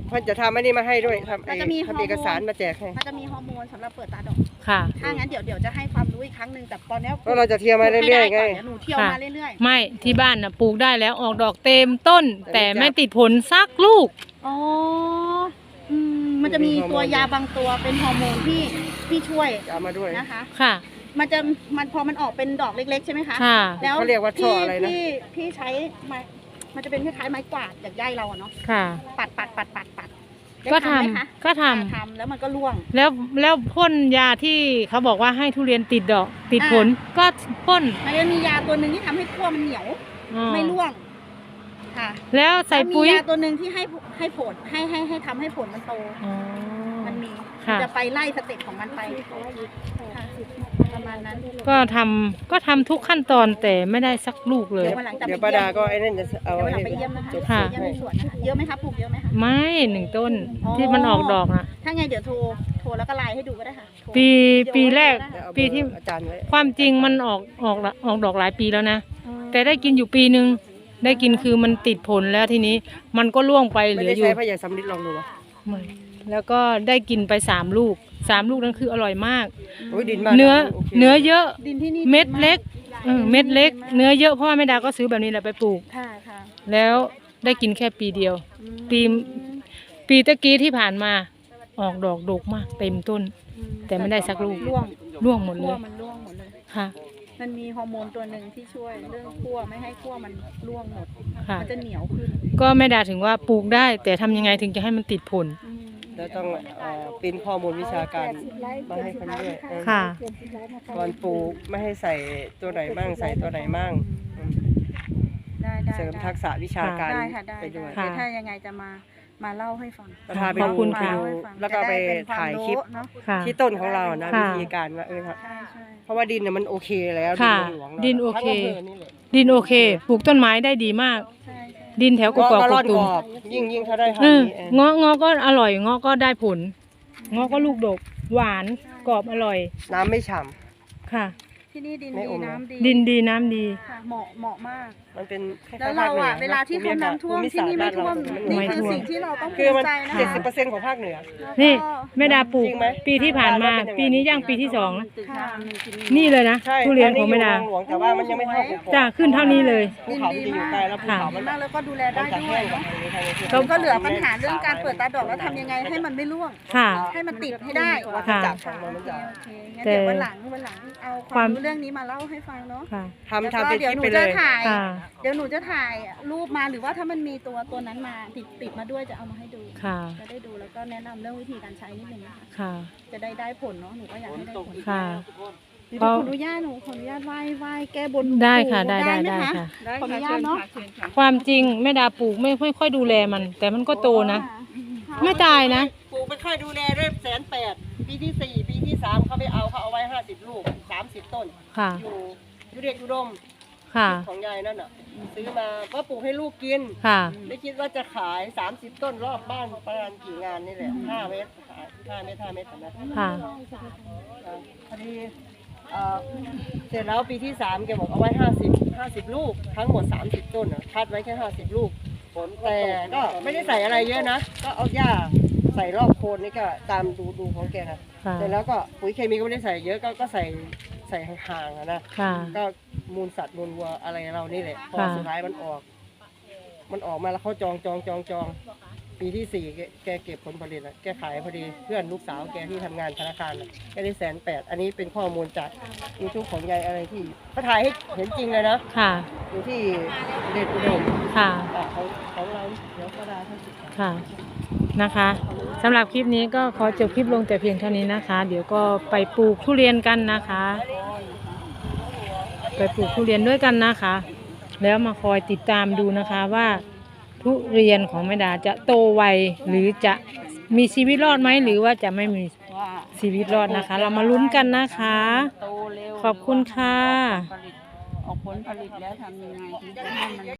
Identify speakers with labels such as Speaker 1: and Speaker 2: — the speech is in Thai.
Speaker 1: เพิ่นจะทำอันนี้มาให้ด้วยทำ
Speaker 2: มันจะมีฮอร์โมน
Speaker 1: เอกสารมาแจกให้
Speaker 2: มันจะมีฮอร์โมนสำหรับเปิดตาดอก
Speaker 3: ค่ะ
Speaker 2: ถ้างั้นเดี๋ยวจะให้ความรู้อีกครั้งหนึ่งแต่ตอนนี้
Speaker 1: เพราะเราจะเที่ยวมาเรื่อยๆไง
Speaker 2: เดี๋ยวหนูเที่ยวมาเรื่อย
Speaker 3: ไม่ที่บ้านน่ะปลูกได้แล้วออกดอกเต็มต้น แต่ไม่ติดผลสักลูก
Speaker 2: ๆอ๋อมันจะมีตัวยาบางตัวเป็นฮอร์โมนที่ช่วย
Speaker 1: เอามาด้วย
Speaker 2: นะคะ
Speaker 3: ค่ะ
Speaker 2: มันพอมันออกเป็นดอกเล็กๆใช่ไหมคะ
Speaker 3: ค่ะ
Speaker 2: แล้ว
Speaker 1: เขาเรียกว่าช่ออะไรนะ
Speaker 2: พี่ใช้ไม้มันจะเป็นคล้ายๆไม้กวาดจากใยเราอะเนาะ
Speaker 3: ค่ะ
Speaker 2: ปัดได้
Speaker 3: ก็ทำ
Speaker 2: ไหมคะ
Speaker 3: ก็ทำ
Speaker 2: ทำแล้วมันก็ร่วง
Speaker 3: แล้วพ่นยาที่เขาบอกว่าให้ทุเรียนติดดอกติดผลก็พ่น
Speaker 2: มันจะมียาตัวหนึ่งที่ทำให้ขั้วมันเหนียว
Speaker 3: อ๋อ
Speaker 2: ไม่ร่วงค่ะ
Speaker 3: แล้วใส่ปุ๋ย
Speaker 2: แล้วมียาตัวหนึ่งที่ให้ผลให้ทำให้ผลมันโต
Speaker 3: อ๋อ
Speaker 2: มันมี
Speaker 3: ค่ะ
Speaker 2: จะไปไล่สเต็ปของมันไปค่ะประมาณนั้น
Speaker 3: ก็ทำทุกขั้นตอนแต่ไม่ได้สักลูกเลย
Speaker 2: วันหลังจะ
Speaker 1: เดี๋ยว
Speaker 2: ไป
Speaker 1: ป้า
Speaker 2: เยี่
Speaker 1: ดาย
Speaker 2: ม
Speaker 1: ก็ไอ้นั่นจะเอา
Speaker 2: เดี๋ยววันหลัง
Speaker 1: ให้
Speaker 2: ไปเยี่ยมนะคะ
Speaker 1: จด
Speaker 3: ค่ะ
Speaker 2: เยี่ยมในสวนนะคะเยอะไหมคะปลูกเยอะไหมคะ
Speaker 3: ไม่1 ต้น
Speaker 2: อ๋อ
Speaker 3: ที่มันออกดอกนะ
Speaker 2: ถ้าไงเดี๋ยวโทรแล้วก็ไลน์ให้ดูก็ได้ค่ะโทร
Speaker 3: ปีแรก
Speaker 1: เดี๋ยวเอาเบอร์
Speaker 3: ปีที่
Speaker 1: อาจารย์ไว้
Speaker 3: ความจริงมันออกดอกหลายปีแล้วนะ
Speaker 2: อ๋อ
Speaker 3: แต่ได้กินอยู่ปีนึงได้กินคือมันติดผลแล้วทีนี้มันก็ร่วงไปเห
Speaker 1: ไม่
Speaker 3: ลือ
Speaker 1: ได้
Speaker 3: อยู่
Speaker 1: ใช้พยาสำลิดลองดูวะ
Speaker 3: ไม่แล้วก็ได้กินไป3 ลูก3 ลูกนั้นคืออร่อยมาก
Speaker 1: โอ้ยดินบ้าน
Speaker 3: เนื้อ
Speaker 1: โค
Speaker 3: เนื้อเยอะ
Speaker 2: ดินที่นี่
Speaker 3: เม็ดเล็ก
Speaker 2: ดีมาก
Speaker 3: เม็ดเล็ก เนื้อเยอะเพราะว่าแม่ดาก็ซื้อแบบนี้แหละไปปลูก
Speaker 2: ค่ะค่ะ
Speaker 3: แล้วได้กินแค่ปีเดียว
Speaker 2: อืม
Speaker 3: ปีตะกี้ที่ผ่านมาออกดอกดกมากเต็มต้น
Speaker 2: อื
Speaker 3: แต่ไม่ได้สักลูก
Speaker 2: ร่วง
Speaker 3: ร่วงหมดเล
Speaker 2: ขั้วย มันร่วงหมดเลย
Speaker 3: ค่ะ
Speaker 2: มันมีฮอร์โมนตัวหนึ่งที่ช่วยเรื่องขั้วไม่ให้ขั้วมันร่วงหมด
Speaker 3: ค่ะ
Speaker 2: มันจะเหนียวขึ้น
Speaker 3: ก็แม่ดาถึงว่าปลูกได้ แต่ทำยังไงถึงจะให้มันติดผล
Speaker 2: อืม
Speaker 1: แล้วต้องเป็นข้อมูลวิชาการมาให้เขาด้วย
Speaker 3: ค่ะ
Speaker 1: ก่อนปลูกไม่ให้ใส่ตัวไหนบ้างใส่ตัวไหนบ้างอืม
Speaker 2: ได้
Speaker 1: เสริมทักษะวิชาการ
Speaker 2: ได้ค่ะได้
Speaker 1: ไปด้วย
Speaker 3: ค่ะ
Speaker 2: เดี๋ยวถ้ายังไงจะมาเล่าให้ฟัง
Speaker 1: ก็พาไป
Speaker 3: ขอบ
Speaker 1: ดู
Speaker 3: คุณ
Speaker 1: ไป
Speaker 3: ค่ะ
Speaker 1: ดูแล้วก็ไปถ่ายคลิป
Speaker 2: เนาะ
Speaker 3: ค่ะ
Speaker 1: ที่ต้นของเรานะ
Speaker 3: ค่ะ
Speaker 1: วิธีการว่าครับ
Speaker 2: ใช่ใช่
Speaker 1: เพราะว่าดินเนี่ยมันโอเคแล้ว
Speaker 3: ค่ะ
Speaker 1: หลวงๆ
Speaker 3: ดินโอเค
Speaker 1: ทั้งำภนี่แหละ
Speaker 3: ดินโอเค ปลูกต้นไม้ได้ดีมาก
Speaker 2: ใช่
Speaker 3: ดินแถวก
Speaker 1: ก็
Speaker 3: กอก
Speaker 1: ก็
Speaker 3: ก
Speaker 1: ร่อน
Speaker 3: ตุ
Speaker 1: ก
Speaker 3: ม
Speaker 1: รอบยิ่งถ้าได้พัน
Speaker 3: เอ
Speaker 1: ธุ์
Speaker 3: อ
Speaker 1: นี้เอง
Speaker 3: เงาะก็อร่อยเงาะก็ได้ผลเงาะก็ลูกดก หวานกรอบอร่อย
Speaker 1: น้ำไม่ฉ่
Speaker 3: ค่ะ
Speaker 2: ที่นี่ดิน
Speaker 1: ไม่
Speaker 2: ดี
Speaker 1: อม
Speaker 2: น้ำดี
Speaker 3: ดินดีน้ำดี
Speaker 2: ค่ะเหมาะมาก
Speaker 1: ำมันเป็นคล้ยๆ
Speaker 2: แล้วเรา
Speaker 1: ภ
Speaker 2: อ่ะ
Speaker 1: คหนื
Speaker 2: เวลาที่เขาน้ำท่วมที่นี่ไม่ท่วม
Speaker 1: ภู
Speaker 2: นี่
Speaker 1: มิศาสตร์บ้าเรา
Speaker 2: คือสิ่งที่เราต้อง
Speaker 1: คือ
Speaker 2: ภู
Speaker 1: มัน
Speaker 2: มิใจนะ
Speaker 1: เจ็ด
Speaker 2: คะ
Speaker 1: สิบเปอร์เซ็นต์ของภาคเหนือ
Speaker 3: นี่แม่ดาปลูก
Speaker 1: จริงไหม
Speaker 3: ปีที่ผ่านมา
Speaker 1: บ้านเราเป็นยังไง
Speaker 3: ปีนี้ย่างปีที่2นะ
Speaker 2: ค่ะ
Speaker 3: นี่เลยนะ
Speaker 1: ใช่
Speaker 3: ทุเรียนของแม่ดา
Speaker 1: นนี้อยู่หลวงแต่ว่ามันยังไม่เท่าภูเขา
Speaker 3: จ้าขึ้นเท่านี้เลย
Speaker 1: ภูเขามันจะอยู่ไกลแล้วภูเขามัน
Speaker 2: มากแล้วก็ดูแลได้
Speaker 1: จะ
Speaker 2: ด้
Speaker 1: แห้
Speaker 2: วย
Speaker 1: งกว่า
Speaker 2: เนาะ
Speaker 1: ทางนี้ทางนี้
Speaker 2: เราก็เหลือปัญหาเรื่องการเปิดตาดอกแล้วทำยังไงให้มันไม่ร่วง
Speaker 3: ค่ะ
Speaker 2: ให้มันติดให้ได้
Speaker 1: วัฏ
Speaker 3: ค่ะ
Speaker 1: จักรของมันจะ
Speaker 2: โอเคงั้นเดี๋ยววันหลังเอาความรู้เรื่องนี้มาเล่าให้ฟังเนาะ
Speaker 3: ค่ะ
Speaker 1: ทำเป็นค
Speaker 2: เดี๋ยว
Speaker 1: ลิป
Speaker 2: หนู
Speaker 1: ไปเล
Speaker 2: จะ
Speaker 1: ย
Speaker 2: ถ่าย
Speaker 3: ค่ะ
Speaker 2: เดี๋ยวหนูจะถ่ายรูปมาหรือว่าถ้ามันมีตัวนั้นมาติดมาด้วยจะเอามาให้ดู
Speaker 3: ค่ะ
Speaker 2: จะได้ดูแล้วก็แนะนำเรื่องวิธีการใช้นิดนึงนะคะ
Speaker 3: ค่ะ
Speaker 2: จะได้ผลเนาะหนูก็อยากให้ได้ผล
Speaker 3: ค่ะ
Speaker 2: เดี๋ยวขออนุญาตไหว้แก้บน
Speaker 3: ได้ค่ะได้
Speaker 2: ไหม
Speaker 3: ได้
Speaker 2: คะ
Speaker 3: ค่ะ
Speaker 2: ขออนุญาตเนาะ
Speaker 3: ความจริงแม่ดาปลูกไม่ค่อยดูแลมัน แต่มันก็โตนะ ไม่ตายนะ
Speaker 1: ปลูกไปค่อยดูแลด้วย180,000ปีที่4ปีที่3เขาเอาไว้50 ลูก30 ต้น
Speaker 3: ค่ะ
Speaker 1: อยู่เด็กอุดม
Speaker 3: ค่ะ
Speaker 1: ของยายนั่นน่ะซื้อมาก็ปลูกให้ลูกกิน
Speaker 3: ค่ะ
Speaker 1: ไม่คิดว่าจะขาย30 ต้นรอบบ้านประมาณกี่งานนี่แหละ5 เมตรขาย5 เมตร5 เมตรนะ
Speaker 3: ค่ะ
Speaker 1: พอดีเสร็จแล้วปีที่3แกบอกเอาไว้50 ลูกทั้งหมด30 ต้นน่ะคัดไว้แค่50 ลูกแต่ก็ไม่ได้ใส่อะไรเยอะนะ ก็เอาหญ้าใส่รอบโคนนี่ก็ตามดูของแกนะ
Speaker 3: ค่ะ
Speaker 1: เสร็จแล้วก็ปุ๋ยเคมีก็ไม่ได้ใส่เยอะก็ใส่ห่างๆอะนะ
Speaker 3: ค่ะ
Speaker 1: ก็มูลสัตว์มูลวัวอะไรเรานี่แหละพอ
Speaker 3: ค่ะ
Speaker 1: สุดท้ายมันออกมาแล้วเขาจองปีที่4แกเก็บผลผลิตแล้วแกขายพอดีเพื่อนลูกสาวแกที่ทำงานธนาคารน่ะแกได้180,000อันนี้เป็นข้อมูลจากยูทูบของยายอะไรที่เขาถ่ายให้เห็นจริงเลยนะ
Speaker 3: ค่ะ
Speaker 1: อยู่ที่เดชอุดม
Speaker 3: ค่ะ
Speaker 1: ของเราเดี๋ยวก็ได้ทั้งสิบ
Speaker 3: ค่ะ นะคะสำหรับคลิปนี้ก็ขอจบคลิปลงแต่เพียงเท่านี้นะคะ เดี๋ยวก็ไปปลูกทุเรียนกันนะคะ ไปปลูกทุเรียนด้วยกันนะคะ แล้วมาคอยติดตามดูนะคะว่าทุเรียนของแม่ดาจะโตไวหรือจะมีชีวิตรอดไหมหรือว่าจะไม่มีชีวิตรอดนะคะ เรามาลุ้นกันนะคะ
Speaker 2: โตเร็ว
Speaker 3: ขอบคุณค่ะ
Speaker 2: ออกผลผลิตแล้วทำยังไงถึงจะให้มัน